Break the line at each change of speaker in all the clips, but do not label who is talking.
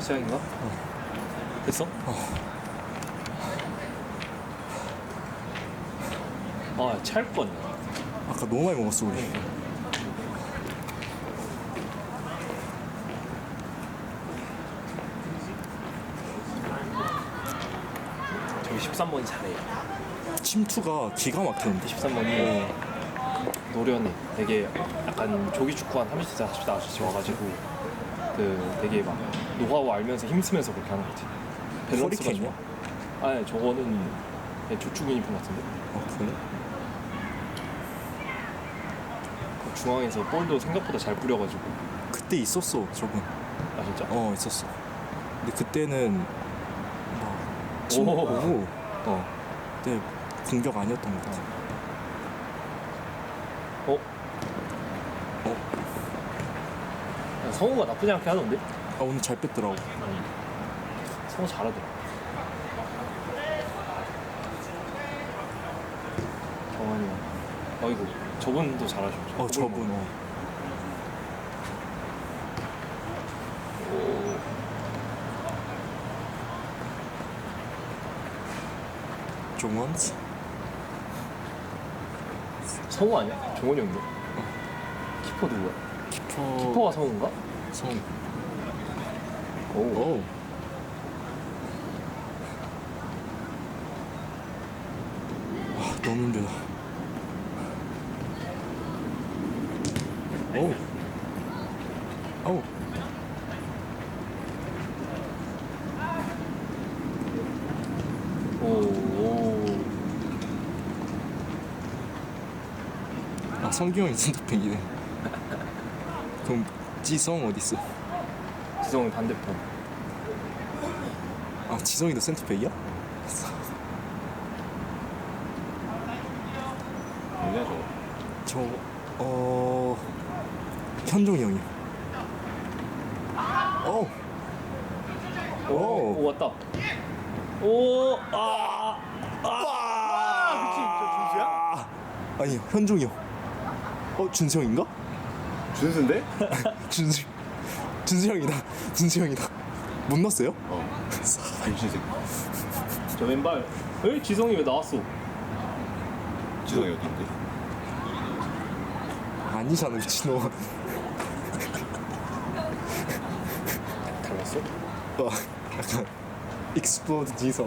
시작인가? 됐어? 아, 찰 뻔.
아까 너무 많이 먹었어 우리.
저기 13번이 잘해.
침투가 기가 막히는데.
13번이 노련해. 되게 약간 조기 축구 한 30대, 40대 아저씨 와가지고 그 되게 막 노하우 알면서 힘쓰면서 그렇게 하는 거지. 밸런스가
허리케인이야?
좋아. 아니, 저거는 그냥 조축 유니폼 같은데?
그래?
그 중앙에서 볼도 생각보다 잘 뿌려가지고.
그때 있었어 저분.
아, 진짜?
있었어. 근데 그때는 막
오.
침투고
어.
그때 공격 아니었던 것 같아.
어? 야, 성우가 나쁘지 않게 하던데?
오늘 잘 뺐더라고.
성우 잘하더라. 정환이가. 이거 저분도 잘하셔.
저분. 종원스?
성우 아니야? 종원이 형인데? 키퍼 누구야? 키퍼가 성우인가?
성.
오.
너무 힘들다. 오.
오.
성규형이 센터백이네. 그럼 지성 어딨어?
지성이 반대편.
지성이도 센터백이야?
뭐냐 저거?
현종이 형이요.
오, 왔다. 오, 그치, 저 준수야?
아니 현종이 형. 준수형인가?
준수인데?
준수 형이다. 못 넣었어요?
준수색. 저 왼발. 에이, 지성이 왜 나왔어?
지성이 어딘데?
아니잖아 미친놈.
달랐어?
약간 익스플로드 지성.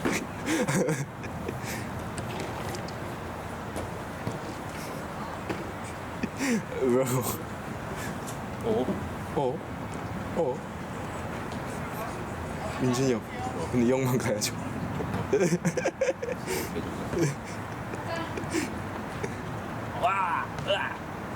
뭐라고? 민준이 형. 근데 이 형만 가야죠.
와! 으아!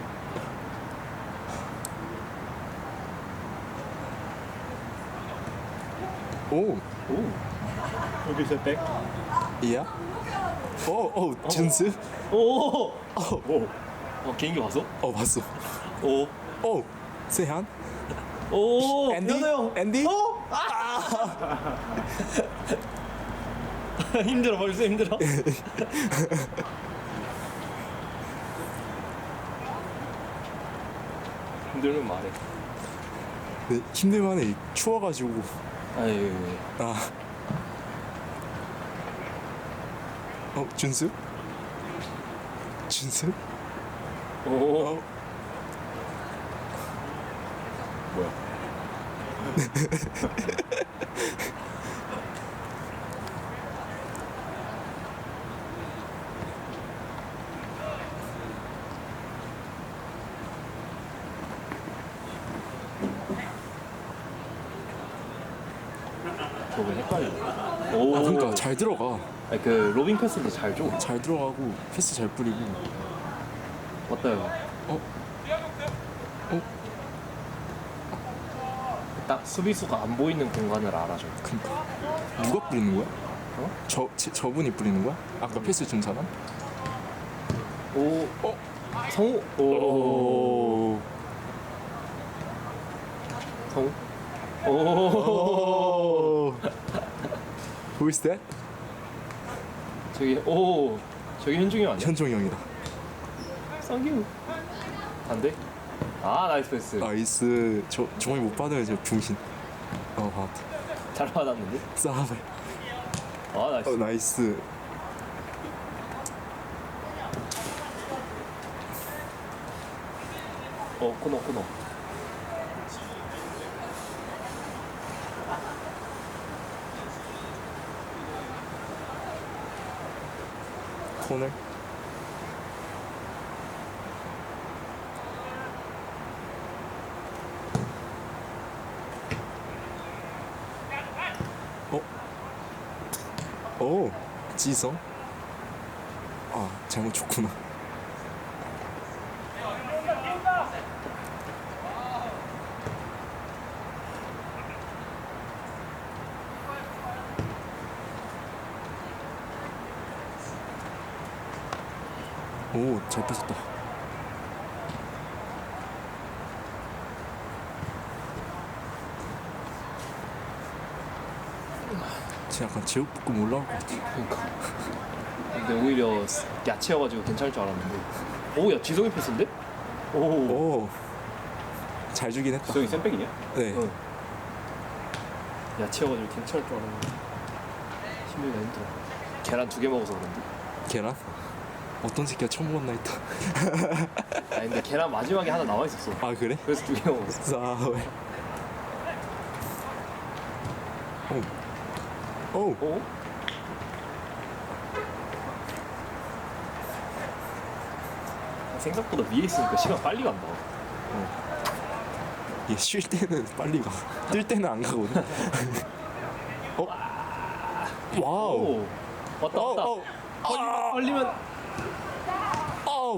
오.
여기서 백?
이야? 준수?
오! 개인기 봤어?
봤어.
오!
세한?
오!
앤디?
현우 형!
앤디?
힘들어, 벌써 힘들어? 힘들면 말해.
네, 힘들만해. 추워가지고.
아유.
준수? 준수?
오.
뭐야?
저거 헷갈려. 오.
그러니까 잘 들어가.
아니, 그 로빙 패스도 잘 줘.
잘 들어가고 패스 잘 뿌리고.
맞다 요. 딱 수비수가 안 보이는 공간을 알아줘.
그러니까 누가 뿌리는 거야? 저분이 뿌리는 거야? 아까 패스 준 사람?
오. 성우. 오. 성우. 오.
Who is that?
저기 현중이 아니야?
현종이 형이다.
쌍규. 안 돼? 나이스 패스.
나이스. 저 종이 못 받아요 저 병신. 받았다.
잘 받았는데?
싸발.
아 나이스.
나이스.
코너.
코너. 오, 지성. 아, 잘못 쳤구나. 오, 잘 뺏었다. 진짜 약간 제육볶음 올라올 것 같아.
그러니까. 근데 오히려 야채여가지고 괜찮을 줄 알았는데. 오야 지성이 패스인데? 오.
오, 잘 주긴 했다.
지성이 샌백이냐?
네.
응. 야채여가지고 괜찮을 줄 알았는데. 힘들다 힘들어. 계란 2개 먹어서 그런데.
계란? 어떤 새끼가 처음 먹었나 했다.
아니 근데 계란 마지막에 하나 남아 있었어.
아, 그래?
그래서 2개 먹었어.
싸울. 오. 오.
오? 생각보다 위에 있으니까 시간 빨리 간다.
얘 쉴 때는 빨리 가. 뛸 때는 안 가거든. 어? 와우.
오. 왔다 왔다. 걸리면.
어우.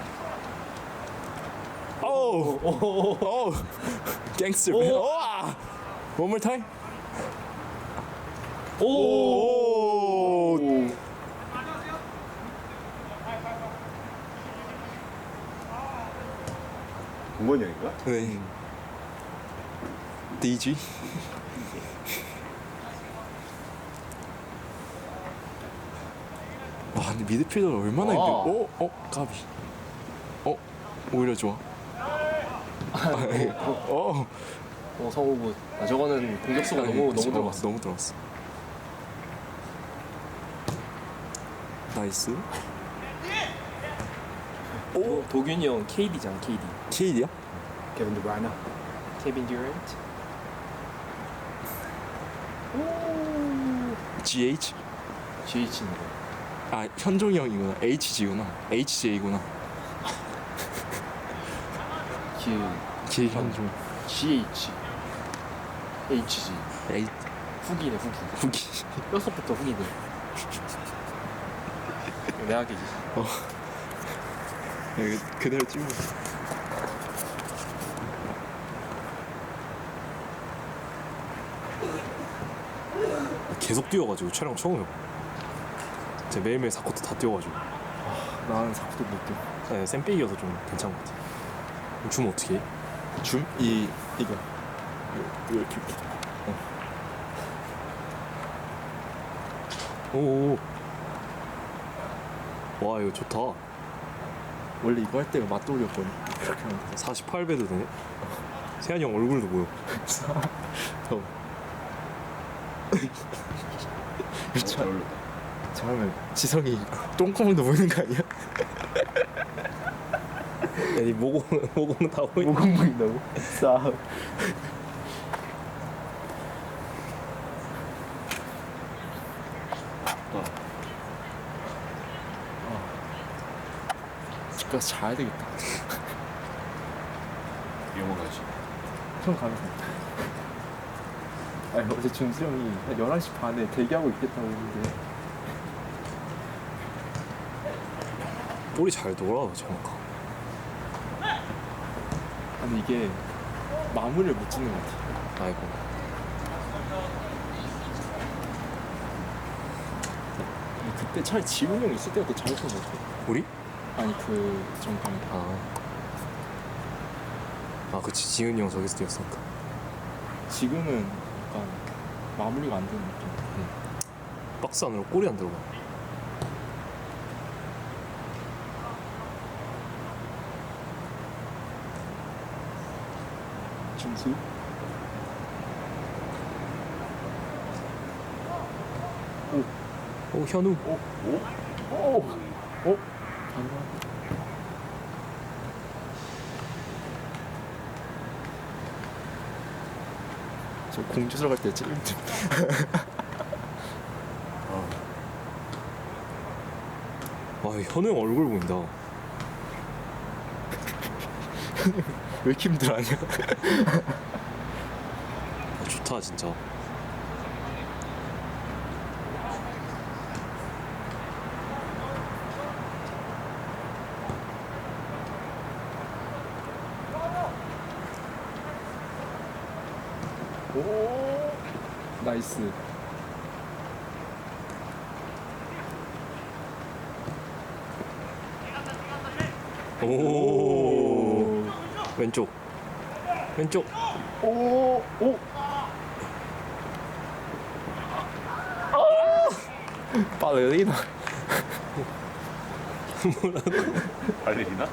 어우.
오.
어우. 갱스터.
오.
와. One more time.
오.
오.
동건이 형인가?
네. DG. 와, 근데 미드필더를 얼마나
와.
힘들? 까비. 오히려 좋아.
성우부. 아 저거는 공격수가 너무 들어갔어.
너무 들어갔어. 나이스.
도균이 형 KD잖아 KD.
KD야?
케빈 드브라이너.
케빈 듀란트.
GH?
GH인 거.
아, 현종이 형이구나. HG구나. HJ구나. 현종.
GH. HG.
H
후기네 후기.
후기.
뼛속부터 후기네. 내학이지.
여기 그대로 찍어.
계속 뛰어가지고 촬영 처음 해봐. 제가 매일매일 4쿼터 다 뛰어가지고.
나는 사쿠도 못 뛰어.
네, 쌤빼기여서 좀 괜찮은 것 같아. 줌 어떻게 해?
줌? 이거. 이렇게.
오오. 와 이거 좋다.
원래 이거 할 때가 맛돌이었거든. 이렇게 하면 돼.
48배도 되네. 세한이 형 얼굴도 보여.
잘 어울렸다.
잘하면 지성이 똥구멍도 보이는 거 아니야?
야니 모공은 다 보여.
모공 보인다고? 싸. 집 가서 자야 되겠다.
영어 가지.
형 가면 돼. 아니 어제 준수 형이 한 11시 반에 대기하고 있겠다고 했는데
볼이 잘 돌아 정확하.
아니 이게 마무리를 못 짓는 것 같아.
아이고.
그때 차라리 지훈이 형 있을 때가 더 잘했던 것 같아.
우리?
아니 그 전반에
아 그치 지은이 형 저기서 뛰었으니까.
지금은 약간 마무리가 안 되는 느낌.
박스 안으로 골이 안 들어가.
준수? 오 현우.
저 공주 들어갈 때 찔림 좀.
와 현우 형 얼굴 보인다.
왜 이렇게 힘들어하냐?
아, 좋다 진짜.
오 나이스.
오 왼쪽 왼쪽.
오. 발레리나.
발레리나?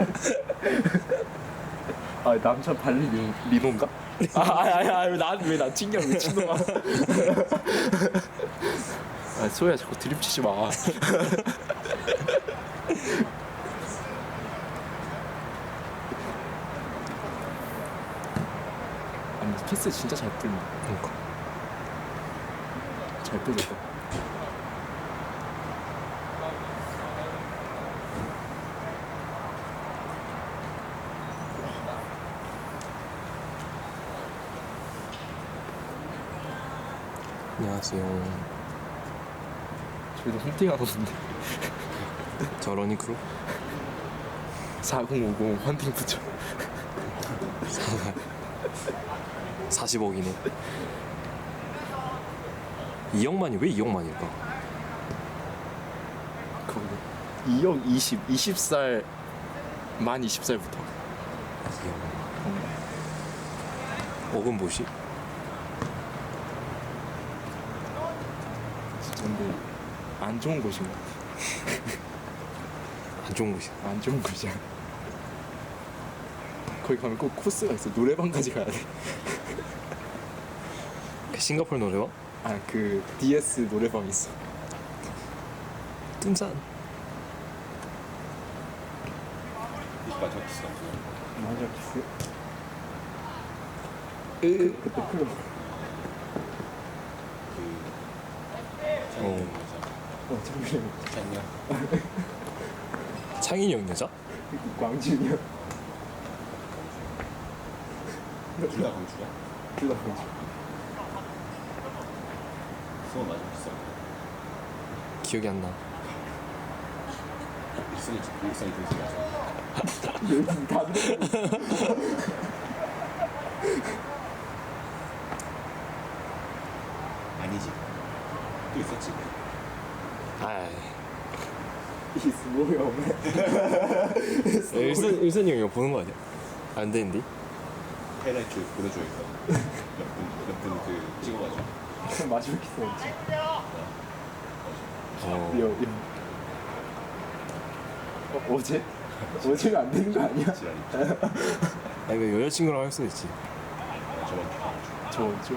아 남자 발레리노인가? 왜나 튕겨 미친놈아. 아 소야 자꾸 드립 치지 마. 아니 패스 진짜 잘 뿌린다.
그러니까.
잘 뿌렸다.
안녕하세요.
저희도 헌팅하던데.
저 러닝크루
4050 헌팅 붙여.
40억이네. 2억만이 왜 2억만일까?
그거 2억 20살 만 20살부터.
2억. 억은 뭐시?
진짜 근데 안 좋은 곳인 것 같아.
안 좋은 곳이야.
안 좋은 곳이야. 거기 가면 꼭 코스가 있어. 노래방까지 가야 돼.
싱가포르 노래방?
아 그 DS 노래방 있어.
뚱산.
오빠 적었어.
맞아 키스. 그때 클럽.
어.
잠시만.
잤냐?
창인이 형 여자?
광진이야.
둘다 강주야?
둘다 광진.
수원 맞아 비싸.
기억이 안 나.
일성이 동생 맞아.
요즘 다들.
아니지. 또 있었지.
아,
이 스모이 없네.
일선이 형이 보는 거 아니야? 안 되는데?
하이라이트 보내줘야겠다. 몇분 그 찍어가지고.
마지막 키스였지.
어.
어제? 어제가 안 되는 거 아니야?
지랄이.
아니 그 여자친구랑 할 수도 있지.
저번 주.
저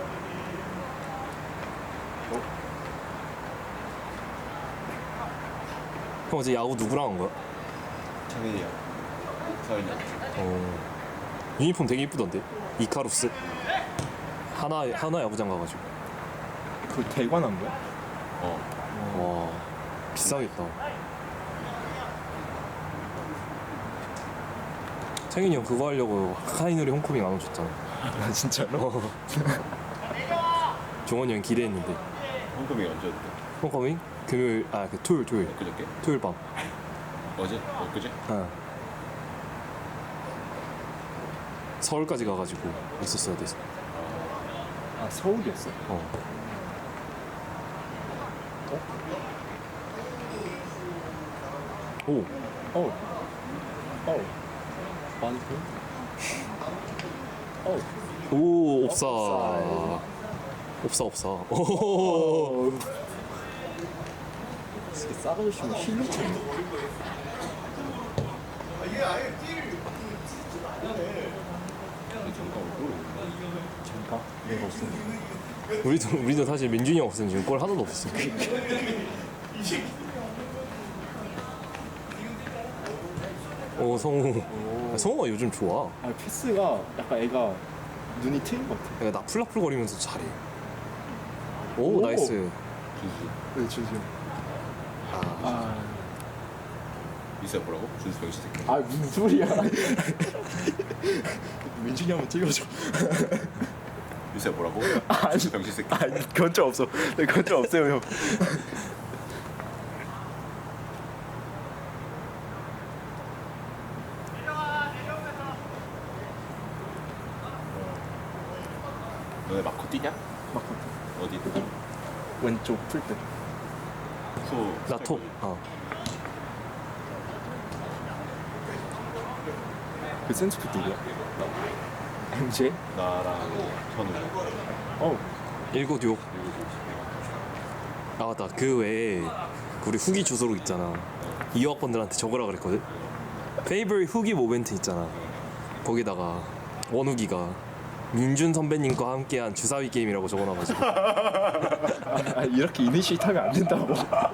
형 어제 야구 누구랑 한 거야?
창현이야. 서인이야.
어. 유니폼 되게 이쁘던데? 이카루스? 하나 야구장 가가지고.
그 대관한 거야?
어.
와 비싸겠다. 창현이 형 그거 하려고 카이누리 홈커밍 안 오셨잖아.
아 진짜로?
종원이 형 기대했는데.
홍금이 언제였대?
홈커밍? 금요일 그 토요일
엊그저께?
토요일 밤.
어제? 엊그제?
어. 서울까지 가가지고 있었어야 돼서.
아 서울이었어?
어. 오.
많이 보?
오 옵사. 옵사. 오.
이렇게 싸가지고 힐로 차네. 잠깐 내가 없었는데.
우리도 사실 민준이 형 없으면 지금 골 하나도 없었어. 성우. 성우가 요즘 좋아.
아 패스가 약간 애가 눈이 트인 것 같아.
애가 나풀나풀거리면서 잘해. 오,
오.
나이스.
준수.
네 준수. 아,
이사 뭐라고? 준수 병신 새끼.
아 무슨 소리야? 민준이 한번 찍어줘.
이사 뭐라고?
아니.
준수 병신 새끼.
아니 그건 좀 없어. 그건 좀 없어요 형.
너네 마코 뛰냐?
막
어디?
왼쪽 풀때.
소.
나토.
그 센스푸트 누구야? MJ?
나랑 현우.
어.
1926. 아 맞다. 그 외에 우리 후기 주소록 있잖아. 2학번들한테 적으라 그랬거든. 페이버릿 후기 모멘트 있잖아. 거기다가 원후기가 민준 선배님과 함께한 주사위 게임이라고 적어놔가지고
아 이렇게 이니시에이트 하면 안 된다고.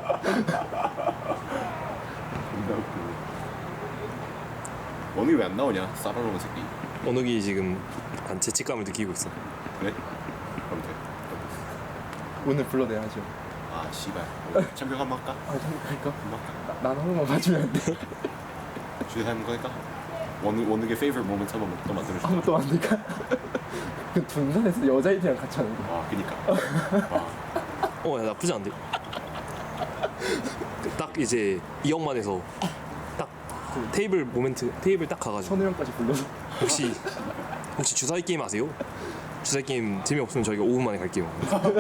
원이 왜 안 나오냐? 싸라놓은 새끼.
원욱이 지금 약간 죄책감을 느끼고 있어.
그래? 그럼 돼.
오늘 불러내야죠.
아 씨발. 챔피언 한번 할까?
아 잠깐만.
한번 할까?
난 한 번만 봐주면 안 돼.
주제 하는 거니까. 원욱의 favorite moment 한번 또 만들어줄게.
아무것도 안 될까? 그 둔산에서 여자애들이랑 같이 하는 거.
아 그니까.
야 나쁘지 않은데. 딱 이제 2억만에서 딱 테이블 모멘트 테이블 딱 가가지고
선우형까지 불러서.
혹시 주사위 게임 아세요? 주사위 게임 재미없으면 저희가 5분 만에 갈게요.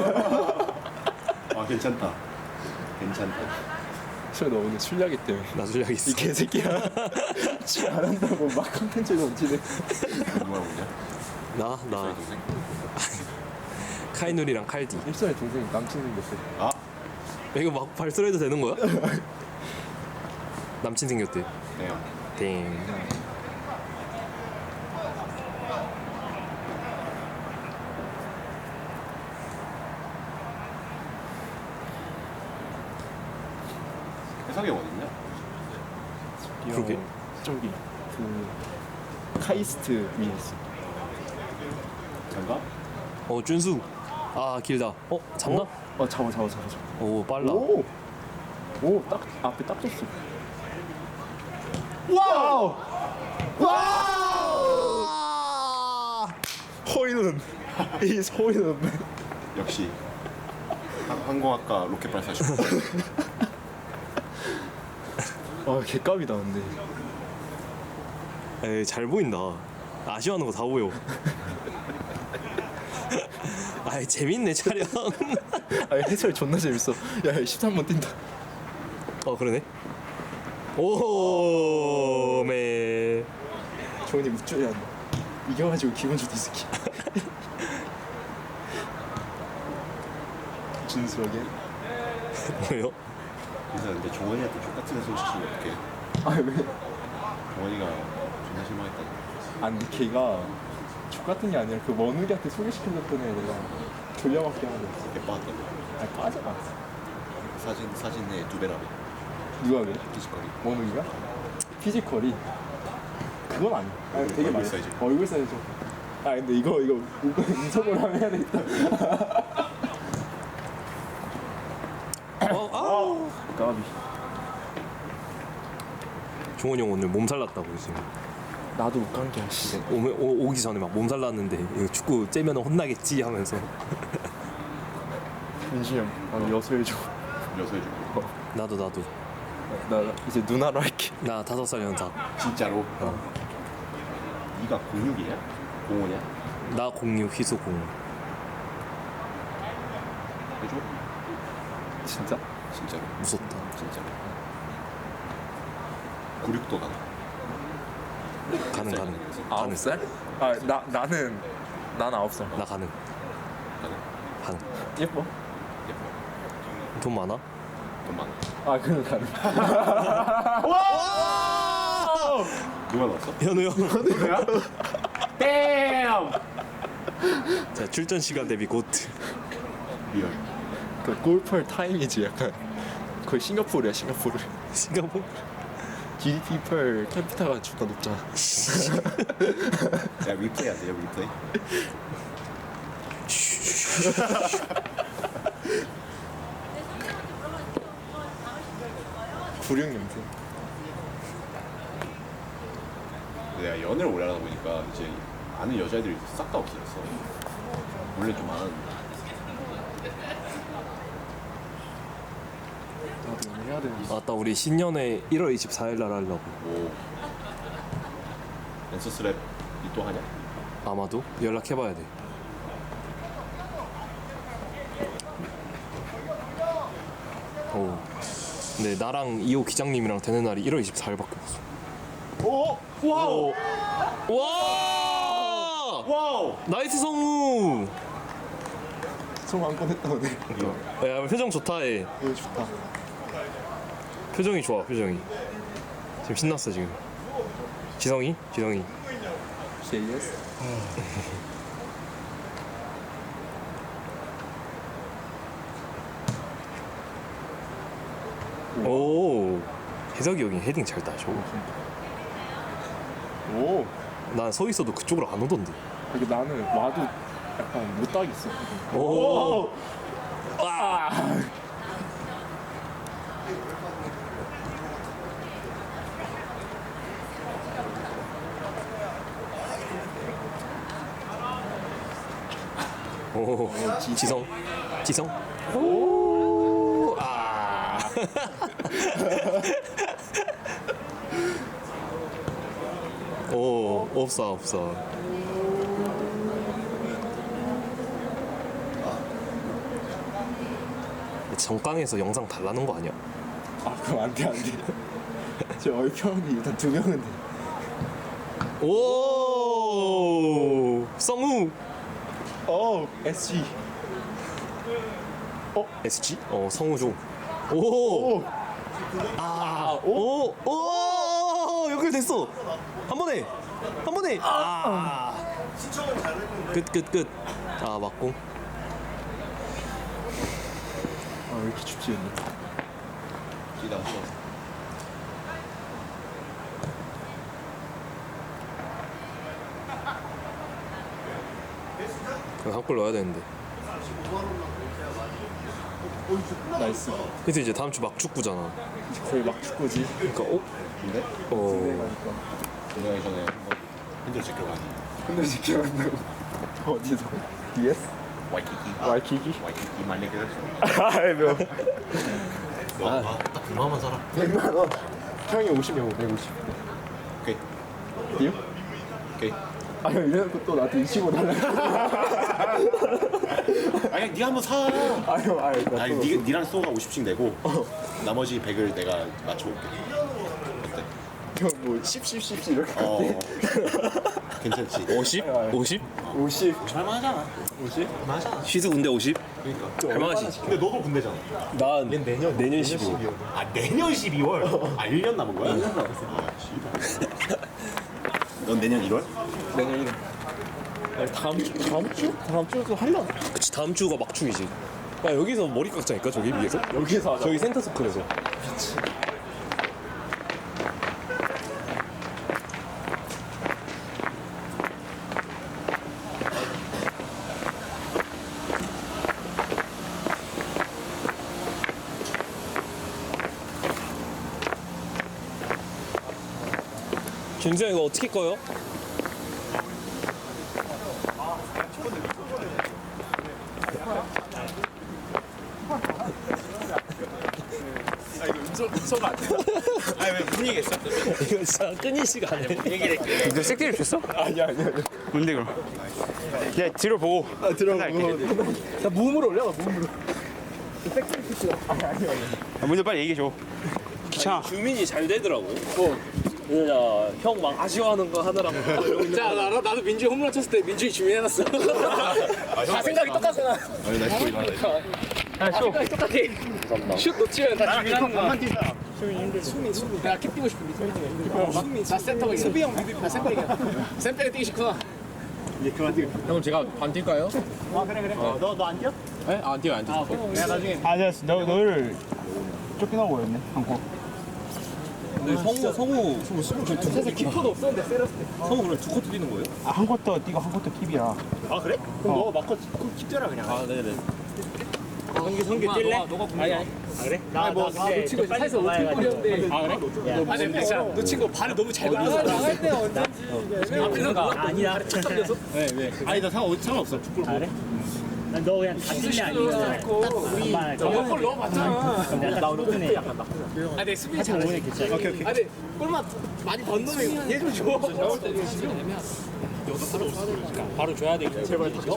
아 괜찮다. 괜찮다.
너 오늘 술약이 때문에.
나 술약 있어.
이 개새끼야. 술 안 한다고 막 컨텐츠 넘치네.
누가 보냐?
나
저희 동생.
카이누리랑 칼디.
일선의 동생이 남친 생겼어.
아
이거 막 발설해도 되는 거야? 남친 생겼대.
네.
땡.
해석이 어딨냐?
그러게.
저기 그 카이스트 위에 있어.
잠깐.
준수. 아 길다. 잡나?
잡아.
오 빨라.
오, 딱 앞에 딱 줬어. 와우! 호이는 이 호이는
역시 항공학과 로켓 발사쇼.
개값이다 근데.
에이 잘 보인다. 아쉬워하는 거 다 보여. 아이 재밌네 촬영.
해설 존나 재밌어. 야 13번 뛴다.
그러네. 오메.
조은이 웃줘야 한다. 이겨가지고 기분 좋다 스키. 준수하게.
뭐요?
그래서 근데 종원이한테 족같은 소식이 어떻게?
왜?
종원이가 존나 실망했다.
아니 걔가 족 같은 게 아니라 그 원우리한테 소개시켜줬던 애 내가 돌려막기 하는 거였어.
개빠졌다.
빠져가.
사진에 2배라며.
누가 그래?
피지컬이.
원우리가? 피지컬이 그건 아니야. 되게
얼굴
많이
사이즈.
얼굴 사이즈. 근데 이거 인성으로 하면 해야 되겠다. 까비.
종원이 형 오늘 몸살 났다고 지금.
나도 못 간 게 씨.
오기 전에 막 몸살 났는데 이거 축구 째면 혼나겠지 하면서.
민준이 형, 나도 여소해줘.
여서해주고.
나도
나 이제 누나로 할게.
나 5살 연상.
진짜로. 네가 06이냐? 05냐?
나 06 희소 0.
해줘?
진짜?
진짜로.
무섭다.
진짜로. 96도 가나?
가능.
9살? 나는 9살.
나 가능.
가나?
예뻐?
예뻐.
돈 많아?
돈 많아.
그럼 가능.
누가 나왔어?
현우 형.
누구야? damn!
자 출전 시간 대비 곧.
리얼.
그 골프할 타임이지 약간. 거의 싱가포르야 싱가포르.
싱가포르?
GDP per 캡ita 존나 높잖아.
야 리플레이 안 돼요 리플레이?
불용 냄새.
내가 연애를 오래 하다 보니까 이제 아는 여자애들이 싹 다 없어졌어. 원래 좀 많았는데.
나도 연애해야 되는데.
맞다 우리 신년회 1월 24일 날 하려고.
오. 랜서스랩 또 하냐?
아마도 연락해봐야 돼. 오. 근데 나랑 이호 기장님이랑 되는 날이 1월 24일밖에 없어.
오! 와우!
와!
와우!
나이스 성우.
성한건 했다 오늘.
야 표정 좋다 해.
이거 좋다.
표정이 좋아 표정이. 지금 신났어 지금. 지성이? 지성이.
JS?
오. 혜석이 형이 헤딩 잘 따줘.
오.
난 서 있어도 그쪽으로 안 오던데.
이게 나는 와도 약간 못 따겠어.
오. 오. 지성. 지성. 오. 아. 오. 없어 없어. 정강에서 영상 달라는 거 아니야?
아 그럼 안 돼 안 돼. 저 얼평이 일단 2명은 돼.
오. 성우.
SG.
SG? 성우종. 오.
오.
아. 오. 오. 연결됐어. 한 번에. 한 번에. 아. 끝. 아 맞고.
아 왜 이렇게 춥지 오늘?
기다 왔어.
한 골 넣어야 되는데.
나이스.
그래서 이제 다음 주 막 축구잖아.
거의 막 축구지.
그러니까
근데? 분명히 전에 한번 핸들 지켜가니.
근데 지켜간다고. 어디서? DS?
와이키키.
와이키키?
와이키키 만약에
아이 뭐.
너딱 100만원 살아.
100만 원. 형이 50이면 150.
오케이.
딜?
오케이.
아 형 이래놓고 또 나한테 25 달라.
아니 네가 한번 사.
아유
아니 니랑 소가 50씩 내고 나머지 100을 내가 맞춰올게. 어때?
형뭐 10 이렇게.
괜찮지?
50? 50?
50.
할만하잖아.
50?
할만하잖아.
시드 군대 50?
그러니까.
할만하지.
근데 너도 군대잖아.
난 내년 12월.
아 내년 12월? 아 1년 남은 거야? 1년 남았어. 아 씨발. 넌 내년 1월?
내년 1월. 다음 주도 하려나?
그치 다음 주가 막중이지. 야 여기서 머리 깎자니까 저기 위에서?
여기서 하자.
저기 센터 서클에서. 김수영 이거 어떻게 꺼요?
음소가 안 돼. 아니 왜 무슨 얘기했어?
이거 진짜 끊이지가 않네.
너 색대를 줬어?
아니야.
뭔데 그럼? 야 뒤로 보고.
아 들어가고. 나 무음으로 올려. 무음으로.
먼저 빨리 얘기해줘. 귀찮아.
주민이 잘 되더라고. 야, 형 막 아쉬워하는 거 하더라고.
자 나도 민주이 홈런 쳤을 때 민주이 주민해놨어. 다 생각이 똑같잖아.
아니 나 거의 많아.
생각이 똑같아. 슛 놓치면 다 주민하는 거야. 수민. 내가 캡 뛰고 싶은데 수민. 나 센터가 수비 형 나 센터가. 센터가 뛰기 싫구나.
형 제가 반 뛸까요?
아 그래. 너안 뛰어?
네? 안 뛰어요 안 뛰어요.
내가 나중에. 아 됐어. 너를
쫓겨나고 버렸네 한코.
근데 성우
사실 키퍼도 없었는데 세렸을 때.
성우 그럼 두 코트 뛰는 거예요?
한 쿼터 뛰고 한 쿼터 킵이야.
아 그래? 그럼 너 마커 킵잖아 그냥.
아 네네.
성규 뛸래? 너가 아니. 아 그래? 나뭐 놓친 거 사에서 어떻게 뿌렸는데. 아 그래? 아니 근데 진짜 놓친 거 발을 너무 잘 굴렸어. 나갈 때 언제지. 앞에서 아니야. 네 왜? 아니 나 상관없어. 축구. 아 그래?
너 그냥 다질래 아니면 우리
너골 넣어봤잖아.
약간 나 오늘 약간 막
아 근데 수비 잘하지.
괜찮아.
오케이. 아 근데 골만 많이 번 놈이 얘좀 줘.
바로 줘야 되겠지. 제발 다 줘.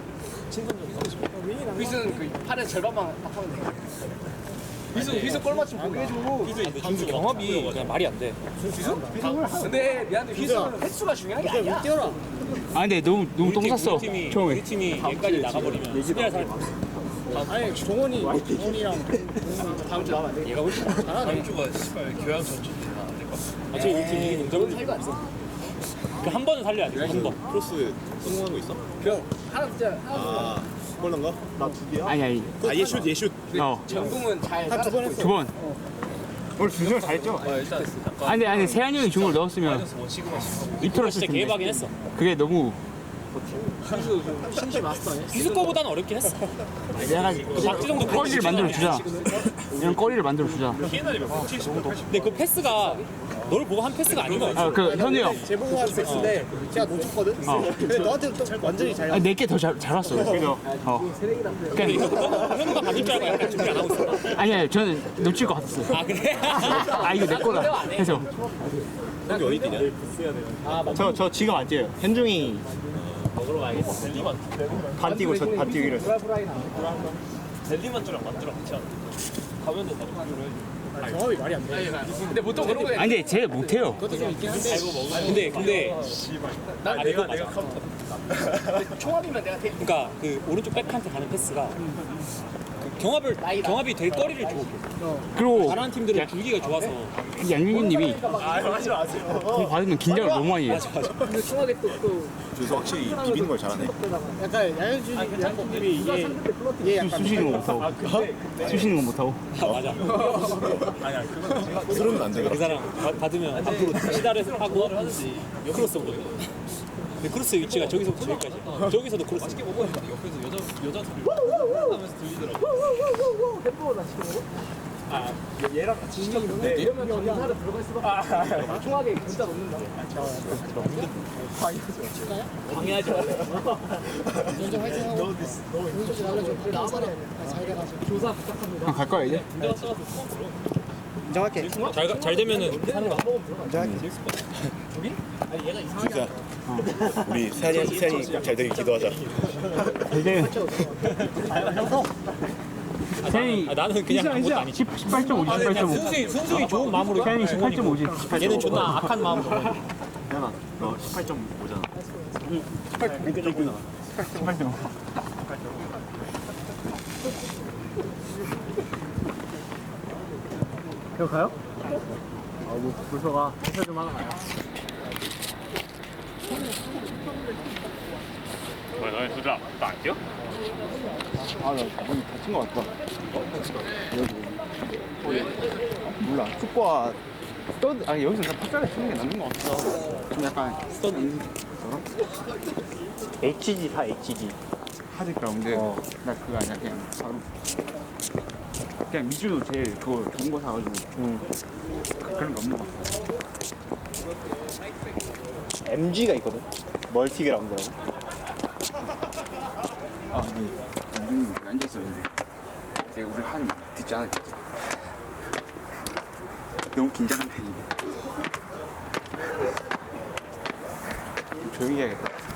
휘수는 그 팔의 절반만 딱 하면 돼. 휘수 골 맞춤 보게 해줘.
준수 경합이 그냥 말이 안 돼.
근데 미안해 휘수는 횟수가 중요한 게 아니야. 뛰어라.
아 근데 너무 똥 쌌어.
우리 팀이 얘까지 나가버리면 수비할 사람이 없어.
아니 종원이랑 다음 주 나와야 돼.
얘가 훨씬 잘하네.
주가 씨발 교양 전체 안될것 같아.
어차피 우리 팀 이기는
너는 차이가 안 써.
한 번은 살려야 돼. 한 번.
크로스 성공한 거 있어?
그럼 하나 진짜 하나
골 넣은 거?
아니.
아 예슛.
전공은 잘 따라잡고 있어.
두 번. 오늘 준수를 잘했죠. 아니 세한이 형이 중을 넣었으면 이틀었을
진짜
텐데.
개박이긴 했어.
그게 너무
휘수 신지 마스터 아니야?
기수 거보다는 어렵긴 했어.
내가
박지성도
거리를 만들어 주자. 이런 거리를 만들어 주자.
근데 그 패스가 너를 보고 한 패스가 아닌 거야.
아그 현우 형.
제보고 한 섹스인데 제가 놓쳤거든? 근데 너한테 또 완전히 잘
아니 내게 더 잘 왔어. 그죠. 그러니까
현우가 받을 줄 알고 약간 준비 안 하고 있어.
아니 저는 놓칠 것 같았어.
아 그래?
아 이거 내 거다. 해서.
형이 어디 뛰냐?
저 지금 안 뛰어요. 현중이 반 뛰고 저 반 뛰기로 했어.
델리만주랑 만주랑 같이 하는 가면 된다.
경험이 말이 안 돼. 근데 보통 그런 거
아니 근데 쟤 못해요.
그것도 좀 있긴 한데
근데 내가 맞아.
총합이면 내가 돼.
그러니까 그 오른쪽 백한테 가는 패스가 그 경합이 될 거리를 줘.
그리고
잘하는 팀들은 줄기가 좋아서.
양윤규님이 공 받으면 긴장을 너무 많이 해요.
근데 총합이 또
준수 확실히 비비는 걸 잘하네.
약간 양현준이 얘 약간
쑤시는 거 못하고. 쑤시는 거 못하고.
맞아.
흐르면 안 돼.
그 사람 받으면 앞으로 시다를 하고 크로스 오거든. 근데 크로스 위치가 저기서부터 저기까지. 저기서도 크로스.
얘랑 같이 시켰는데 이러면 전사를 들어갈 수밖에 없어. 총합이 진짜 넣는다. 방해하지 말래. 먼저 화이팅하고. 먼저 날려줘. 나와서 잘 돼가지고. 조사 부탁합니다.
갈 거야 이제?
인정할게.
잘 되면은 사는 거야.
진짜. 우리 세안이 잘 되길 기도하자.
이제 세안이
나는 그냥 아무것도 아니지.
18.5지 18.5.
승수이 좋은 마음으로.
세안이 18.5지.
얘는 존나 악한 마음으로.
너 18.5잖아.
18.5. 그거 가요? 뭐 벌써 가. 회사 좀 하나 가요.
너희 둘다 안 뛰어?
아, 나 오늘 다친 것 같다. 몰라. 축구와 스터드, 아니 여기서 그냥 팍자를 치는 게 낫는 것 같아. 좀 약간 스터드 HG 다 HG. 하드 그라운드. 나 그거 아니야. 그냥 바로. 그냥 미주도 제일 그거 좋은 거 사가지고. 그런 거 없는 것 같아.
MG가 있거든. 멀티 그라운드라고.
아, 네. 앉았었는데 제가 우리 한 듣지 않았죠. 너무 긴장한 편이네. 좀 조용히 해야겠다.